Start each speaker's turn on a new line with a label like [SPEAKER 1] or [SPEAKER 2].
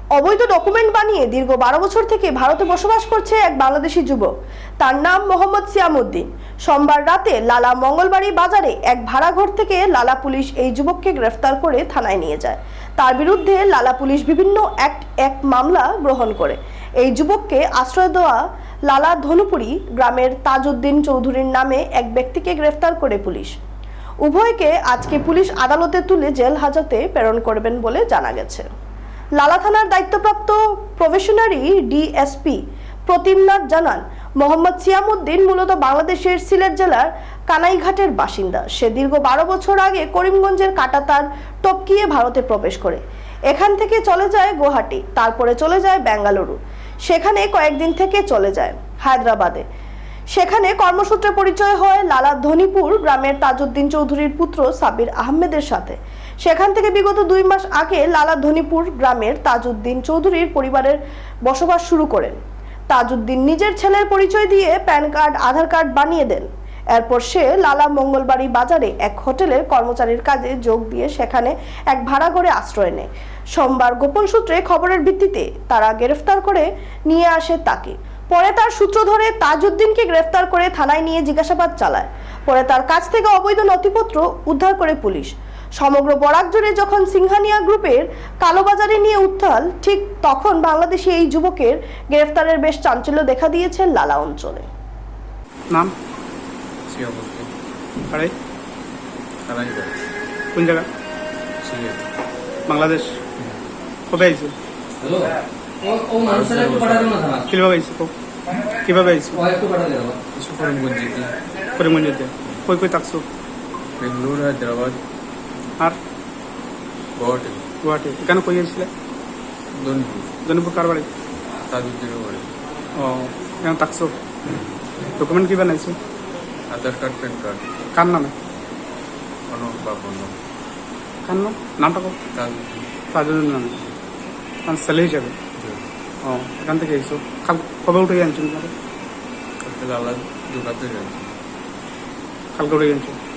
[SPEAKER 1] অবৈধ ডকুমেন্ট বানিয়ে দীর্ঘ 12 বছর থেকে ভারতে বসবাস করছে এক বাংলাদেশি যুবক। তার নাম মোহাম্মদ সিয়ামউদ্দিন। সোমবার রাতে লালা মঙ্গলবাড়ি বাজারে এক ভাড়াঘর থেকে লালা পুলিশ এই যুবককে গ্রেফতার করে থানায় নিয়ে যায়। তার বিরুদ্ধে লালা পুলিশ বিভিন্ন এক মামলা গ্রহণ করে। এই যুবককে আশ্রয় দেওয়া লালা ধনুপুরি গ্রামের তাজউদ্দিন চৌধুরীর নামে এক ব্যক্তিকে গ্রেফতার করে পুলিশ। উভয়কে আজকে পুলিশ আদালতে তুলে জেল হাজতে প্রেরণ করবেন বলে জানা গেছে। লালা থানার দায়িত্বপ্রাপ্ত প্রবেশনারি ডিএসপি প্রতিমনাথ জানান, মোহাম্মদ সিয়ামউদ্দিন মূলত বাংলাদেশের সিলেট জেলার কানাইঘাটের বাসিন্দা। সে দীর্ঘ 12 বছর আগে করিমগঞ্জের কাটাতার টপকিয়ে ভারতে প্রবেশ করে। এখান থেকে চলে যায় গুয়াহাটি, তারপরে চলে যায় বেঙ্গালুরু, সেখানে কয়েকদিন থেকে চলে যায় হায়দ্রাবাদে। সেখানে কর্মসূত্রে পরিচয় হয় লালা ধনিপুর গ্রামের তাজউদ্দিন চৌধুরীর পুত্র সাবির আহমেদের সাথে। সেখান থেকে বিগত 2 মাস আগে লালা ধনিপুর গ্রামের তাজউদ্দিন চৌধুরীর পরিবারের বসবাস শুরু করেন। তাজউদ্দিন নিজের ছেলের পরিচয় দিয়ে প্যান কার্ড, আধার কার্ড বানিয়ে দেন। এরপর সে লালা মঙ্গলবাড়ি বাজারে এক হোটেলের কর্মচারীর কাজে যোগ দিয়ে সেখানে এক ভাড়া ঘরে আশ্রয় নেয়। সোমবার গোপন সূত্রে খবরের ভিত্তিতে তারা গ্রেফতার করে নিয়ে আসে তাকে। পরে তার সূত্র ধরে তাজউদ্দিনকে গ্রেফতার করে থানায় নিয়ে জিজ্ঞাসাবাদ চালায়। পরে তার কাছ থেকে অবৈধ নথিপত্র উদ্ধার করে পুলিশ। সমগ্র বরাক জুড়ে যখন সিংহানিয়া গ্রুপের কালোবাজারে নিয়ে উত্তাল, ঠিক তখন বাংলাদেশে এই যুবকের গ্রেফতারের বেশ চাঞ্চল্য দেখা দিয়েছে লালা অঞ্চলে।
[SPEAKER 2] নাম
[SPEAKER 3] সিয়ামউদ্দিন কানাইঘাট
[SPEAKER 2] কোন জায়গা?
[SPEAKER 3] সিলেট
[SPEAKER 2] বাংলাদেশ। কবে আইছো? কিভাবে আইছো? কিভাবে আইছো?
[SPEAKER 3] কিছু করিমগঞ্জ
[SPEAKER 2] করিমগঞ্জে কই কই থাকছো?
[SPEAKER 3] বেঙ্গালুরু, হায়দ্রাবাদ
[SPEAKER 2] আর
[SPEAKER 3] গুয়াহাটি
[SPEAKER 2] গুয়াহাটি। কেন কই আইছিলে?
[SPEAKER 3] ধনপুর
[SPEAKER 2] জনপুর কার বাড়ি?
[SPEAKER 3] তাজউদ্দিনের বাড়ি।
[SPEAKER 2] ও, কেন থাকছো? ডকুমেন্ট কি বানাইছো?
[SPEAKER 3] Aadhaar card, PAN card.
[SPEAKER 2] কার নামে?
[SPEAKER 3] অনক বাপন্ন
[SPEAKER 2] কার নাম? নামটা কো?
[SPEAKER 3] তাজউদ্দিন।
[SPEAKER 2] তাজউদ্দিন নামে মানে ছেলে হিসাবে। ও, এখান থেকে আইছো। কাল কবে উঠে আনছো?
[SPEAKER 3] লালা দোকান থেকে আনছি।
[SPEAKER 2] কালকে উঠে আনছো।